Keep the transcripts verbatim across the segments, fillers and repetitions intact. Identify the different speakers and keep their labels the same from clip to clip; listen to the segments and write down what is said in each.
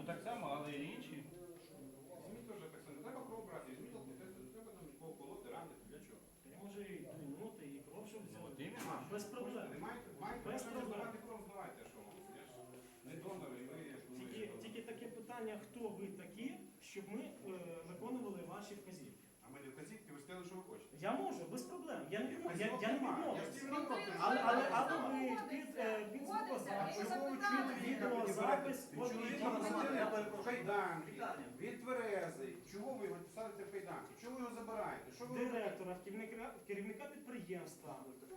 Speaker 1: так само, але і інші.
Speaker 2: Візьміть теж так само. Не треба кров брати, візьміть алкотестер, не треба там нікого колоти, ранити. Для чого?
Speaker 3: Я можу і минути, і кров, щоб
Speaker 1: Ну, от
Speaker 3: взяти.
Speaker 1: іменно.
Speaker 3: Без проблем.
Speaker 2: Не маєте, маєте
Speaker 3: Без
Speaker 2: бажання
Speaker 3: проблем.
Speaker 2: здавати кров, здавайте, що вам. Я ж не донор, і ви...
Speaker 3: Тільки, тільки таке питання, хто ви такі, щоб ми е, виконували ваші вказівки.
Speaker 2: А ми не вказівки, ви сказали, що ви хочете.
Speaker 3: Я можу, без проблем. Я не відмовлю. Я,
Speaker 2: Вказівок
Speaker 3: я не
Speaker 2: немає.
Speaker 3: відмовлю.
Speaker 2: Я всім не проти.
Speaker 3: Але, але, але ви під, е, під звукозапис,
Speaker 2: Чого ви чуєте
Speaker 3: відеозапис,
Speaker 2: Чого ви
Speaker 3: відеозапис.
Speaker 2: кайданки, від тверезий. Чого ви його садите в кайданки? Чого ви його забираєте? Що ви робите?
Speaker 3: Директора, керівника, керівника підприємства.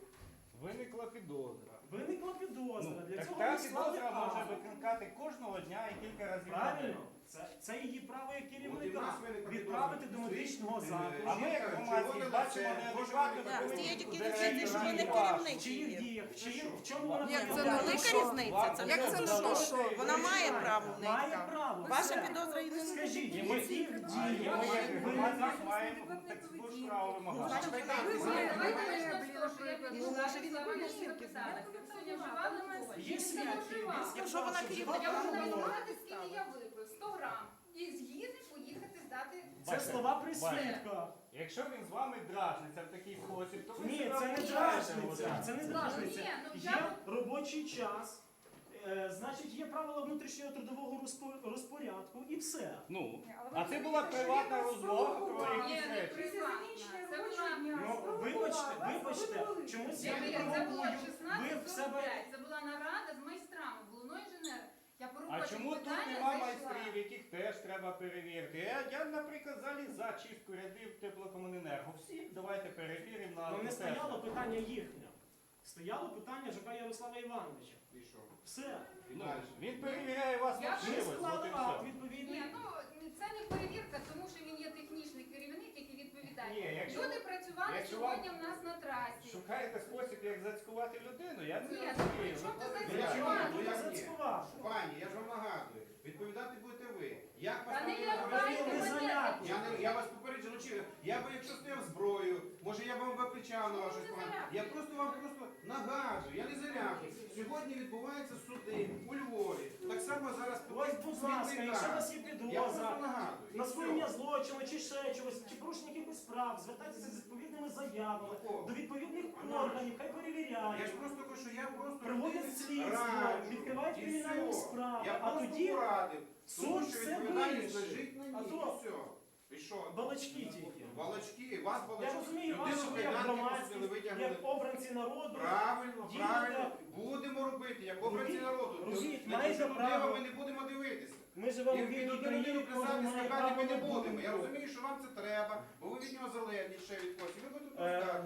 Speaker 1: Виникла підозра.
Speaker 3: Виникла підозра.
Speaker 1: Ну,
Speaker 3: Для
Speaker 1: так
Speaker 3: цього
Speaker 1: та
Speaker 3: ми склали
Speaker 1: підозра може
Speaker 3: акт.
Speaker 1: викликати кожного дня і кілька разів. на день.
Speaker 3: Правильно? Це, це її право як
Speaker 2: От і в
Speaker 3: керівника.
Speaker 2: нас виникла
Speaker 3: Відправити
Speaker 2: підозра.
Speaker 3: до медичного
Speaker 2: Е,
Speaker 3: закладу.
Speaker 1: А ми, як
Speaker 2: Жінка,
Speaker 1: громадські,
Speaker 2: червоне
Speaker 1: бачимо
Speaker 2: лице,
Speaker 1: неадекватну
Speaker 2: Так,
Speaker 1: поведінку
Speaker 4: стає тільки
Speaker 1: директора
Speaker 4: різниця, що ви не
Speaker 1: і
Speaker 4: керівник.
Speaker 3: В чиїх діях, в чиїм- в чому
Speaker 1: Ні,
Speaker 3: вона
Speaker 4: Ні, це
Speaker 3: проявляє?
Speaker 4: велика
Speaker 3: Що?
Speaker 4: різниця. Це
Speaker 1: Як
Speaker 4: не
Speaker 1: це
Speaker 4: те,
Speaker 1: що?
Speaker 4: що вона має право в неї.
Speaker 3: Має
Speaker 4: так.
Speaker 3: право.
Speaker 4: Ваша
Speaker 3: все.
Speaker 4: підозра і не
Speaker 3: Скажіть,
Speaker 1: І
Speaker 3: в
Speaker 1: ми
Speaker 3: яких
Speaker 1: і ми,
Speaker 3: діях
Speaker 1: як
Speaker 3: ви
Speaker 1: громадськість, маємо таку ж право вимагати.
Speaker 4: Значить, ви
Speaker 5: Давайте почнемо з того, що я
Speaker 4: Ну, може, він
Speaker 5: підійшла
Speaker 4: винен
Speaker 5: до
Speaker 4: тільки
Speaker 5: запитання. Сьогодні вживали ми
Speaker 3: Є свідки. Він
Speaker 4: Якщо
Speaker 3: сказав,
Speaker 4: вона
Speaker 3: що
Speaker 4: керівник,
Speaker 3: вживала
Speaker 5: Я можу
Speaker 3: алкоголь.
Speaker 5: нарахувати, скільки я випив. сто грам. І з'їти, поїхати, здати.
Speaker 3: Це слова при свідках.
Speaker 1: Якщо він з вами дражниться в такий спосіб, то ви
Speaker 3: Ні,
Speaker 1: себе
Speaker 3: це не
Speaker 1: ображаєте,
Speaker 3: дражниця.
Speaker 1: Володимир.
Speaker 3: Це не дражниця.
Speaker 5: Ні, ну,
Speaker 3: Є
Speaker 5: я-
Speaker 3: робочий час. е, Значить, є правила внутрішнього трудового розпо- розпорядку і все.
Speaker 1: Ну, а це була приватна розмова про
Speaker 5: Ні,
Speaker 1: якісь
Speaker 5: не
Speaker 1: речі.
Speaker 5: приватна. Це була...
Speaker 3: Ну, вибачте, вибачте, чомусь я не
Speaker 5: Це була
Speaker 3: провокую. Ви
Speaker 5: шістнадцять
Speaker 3: в
Speaker 5: сорок
Speaker 3: себе.
Speaker 5: п'ять. Це була нарада з майстрами, головного інженера. Я по
Speaker 1: А
Speaker 5: робочим
Speaker 1: чому тут
Speaker 5: питанням
Speaker 1: нема
Speaker 5: зайшла.
Speaker 1: майстрів, яких теж треба перевірити? Я, я наприклад, взагалі за чистку рядів теплокомуненерго. Всі давайте перевіримо на
Speaker 3: Ну, не
Speaker 1: алкотестер.
Speaker 3: стояло питання їхнє. Стояло питання ЖК Ярослава Івановича.
Speaker 2: І що?
Speaker 3: Все.
Speaker 2: І
Speaker 1: Ну,
Speaker 2: далі.
Speaker 1: він перевіряє вас
Speaker 5: Я
Speaker 1: на
Speaker 3: Ми
Speaker 1: вшивость, от
Speaker 3: склали
Speaker 1: і
Speaker 3: акт
Speaker 1: все.
Speaker 3: відповідний.
Speaker 5: Ні, ну це не перевірка, тому що він є технічний керівник, який відповідає.
Speaker 1: Ні, якщо-
Speaker 5: Люди працювали
Speaker 1: якщо
Speaker 5: сьогодні
Speaker 1: вам-
Speaker 5: в нас на трасі.
Speaker 1: Шукаєте спосіб, як зацькувати людину, я це
Speaker 5: Ні,
Speaker 1: розумію.
Speaker 5: ну, при чому
Speaker 1: Ну,
Speaker 5: ти
Speaker 1: ну,
Speaker 2: Я ж
Speaker 3: Чому?
Speaker 2: вам-
Speaker 5: зацькувати?
Speaker 2: ну,
Speaker 3: Ну,
Speaker 2: як
Speaker 3: я
Speaker 2: ні?
Speaker 3: зацькував.
Speaker 2: Пані, я ж вам нагадую, відповідати будете ви. Як вас
Speaker 5: Та не
Speaker 2: там
Speaker 5: я,
Speaker 2: організовано?
Speaker 5: давайте,
Speaker 3: не
Speaker 5: мене-
Speaker 3: заляпуй.
Speaker 2: Я, не, я вас попереджу, чи я би якщо стояв зброю, може я б вам викричав на вашу
Speaker 5: не
Speaker 2: спину.
Speaker 5: залякуй.
Speaker 2: Я просто вам просто нагадую, я не залякую. Сьогодні відбуваються суди у Львові. Так само зараз
Speaker 3: Ось, будь ласка, якщо у вас є
Speaker 2: Я просто
Speaker 3: підозра,
Speaker 2: нагадую. І
Speaker 3: на скоєння
Speaker 2: все.
Speaker 3: злочину чи ще чогось, чи порушення якихось справ, звертайтеся з відповідними заявами
Speaker 2: О.
Speaker 3: до відповідних
Speaker 2: Ну,
Speaker 3: органів, хай
Speaker 2: Я ж
Speaker 3: перевіряють,
Speaker 2: просто кажу, що я просто
Speaker 3: проводять слідство,
Speaker 2: раджу.
Speaker 3: відкривають
Speaker 2: І
Speaker 3: кримінальні
Speaker 2: все.
Speaker 3: справи,
Speaker 2: Я
Speaker 3: а
Speaker 2: просто
Speaker 3: тоді
Speaker 2: порадив, тому
Speaker 3: суд
Speaker 2: що
Speaker 3: все
Speaker 2: відповідальність
Speaker 3: вирішить.
Speaker 2: лежить на
Speaker 3: А
Speaker 2: ній.
Speaker 3: то-
Speaker 2: І все. І що?
Speaker 3: балачки тільки.
Speaker 2: Балачки, вас балачки.
Speaker 3: Я розумію,
Speaker 2: Людину
Speaker 3: вас
Speaker 2: в
Speaker 3: як
Speaker 2: кайданки
Speaker 3: громадськість,
Speaker 2: посадили, витягнули.
Speaker 3: як обранці народу.
Speaker 2: Правильно,
Speaker 3: Діяти.
Speaker 2: правильно. Будемо робити, як обранці
Speaker 3: Робіть,
Speaker 2: народу.
Speaker 3: робіть,
Speaker 2: На
Speaker 3: маєте
Speaker 2: ті
Speaker 3: право.
Speaker 2: ми не будемо дивитися.
Speaker 3: Ми живемо
Speaker 2: І
Speaker 3: в вільній
Speaker 2: від один
Speaker 3: країні,
Speaker 2: людину
Speaker 3: кожен
Speaker 2: писати,
Speaker 3: має
Speaker 2: скакати ми не
Speaker 3: право на
Speaker 2: будемо. Я
Speaker 3: думку.
Speaker 2: розумію, що вам це треба, бо ви від нього залежні ще від когось. І ви будете
Speaker 3: Е,
Speaker 2: пускати.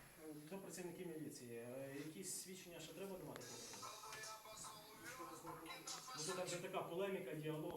Speaker 3: До працівників міліції. Е, Якісь свідчення ще треба давати? Ну, Тут вже така полеміка, діалог.